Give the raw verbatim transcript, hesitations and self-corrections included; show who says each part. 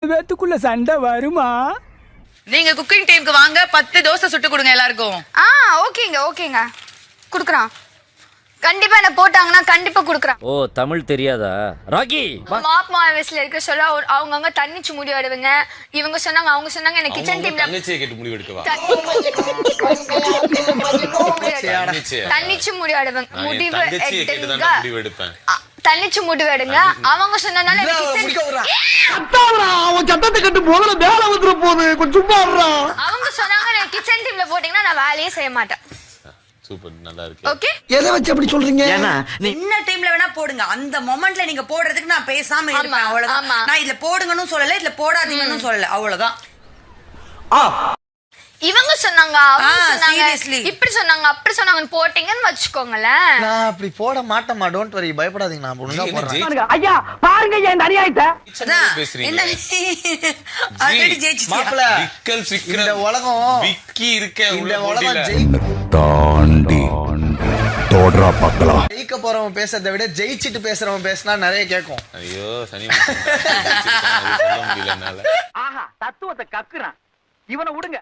Speaker 1: பேத்துக்குள்ள சண்டை வருமா?
Speaker 2: நீங்க குக்கிங் டைம்க்கு வாங்க, பத்து தோசை சுட்டு கொடுங்க எல்லாருக்கும்.
Speaker 3: ஆ ஓகேங்க ஓகேங்க குடுக்குறான். கண்டிப்பா என்ன போட்டாங்கன்னா கண்டிப்பா குடுக்குறான்.
Speaker 4: ஓ தமிழ் தெரியாதா ராகி?
Speaker 3: மாப் மாவஸ்ல இருக்க சொல்ல அவங்க அங்க தண்ணிச்சு முடி எடுவங்க. இவங்க சொன்னாங்க அவங்க சொன்னாங்க எனக்கு கிச்சன் டீம்ல
Speaker 5: தங்கச்சியை கேட்டு முடிவு எடுக்கவா?
Speaker 3: தண்ணிச்சு முடி எடுவங்க. முடிவு
Speaker 5: எடுங்க. முடிவு எடுப்பேன்.
Speaker 3: தண்ணிச்சு முடிவு எடுங்க. அவங்க சொன்னனால
Speaker 1: சத்தத்தை கட்டு போகல வேலை வந்துட போகுது. கொஞ்சம் சும்மா
Speaker 3: அவங்க சொன்னாங்க எனக்கு கிச்சன் டீம்ல போட்டீங்கன்னா நான் வேலையே செய்ய மாட்டேன்.
Speaker 5: சூப்பர், நல்லா இருக்கு.
Speaker 3: ஓகே,
Speaker 1: எதை வச்சு அப்படி சொல்றீங்க?
Speaker 6: என்ன டைம்ல வேணா போடுங்க, அந்த மொமெண்ட்ல நீங்க போடுறதுக்கு நான் பேசாம இருப்பேன், அவ்வளவுதான். நான் இதுல போடுங்கன்னு சொல்லல, இதுல போடாதீங்கன்னு சொல்லல, அவ்வளவுதான்.
Speaker 3: இவங்க சொன்னாங்க அவங்க சொன்னாங்க இப்படி சொன்னாங்க அப்படி சொன்னாங்கன்னு போட்டீங்கன்னு வச்சுக்கோங்களேன்.
Speaker 7: நான் அப்படி போட மாட்டேமா, டோன்ட் வரி, பயப்படாதீங்க, நான் ஒழுங்கா போடுறேன்.
Speaker 1: ஐயா பாருங்க இந்த அநியாயத்தை.
Speaker 6: என்ன ஆல்ரெடி ஜெயிச்சிட்டீங்க.
Speaker 7: மாப்ள
Speaker 5: விக்கல் விக்கல்
Speaker 7: இந்த உலகம்
Speaker 5: விக்கி இருக்க
Speaker 7: இந்த உலகம் ஜெயிக்க
Speaker 8: தாண்டி தோட்ரா பார்க்கலாம்.
Speaker 7: ஜெயிக்க போறவன் பேசுறதை விட ஜெயிச்சிட்டு பேசுறவன் பேசினா நிறைய கேட்கும்.
Speaker 5: ஐயோ சனி சொல்ல முடியல என்னால.
Speaker 1: ஆஹா தத்துவத்தை கக்குறான். இவனை விடுங்க.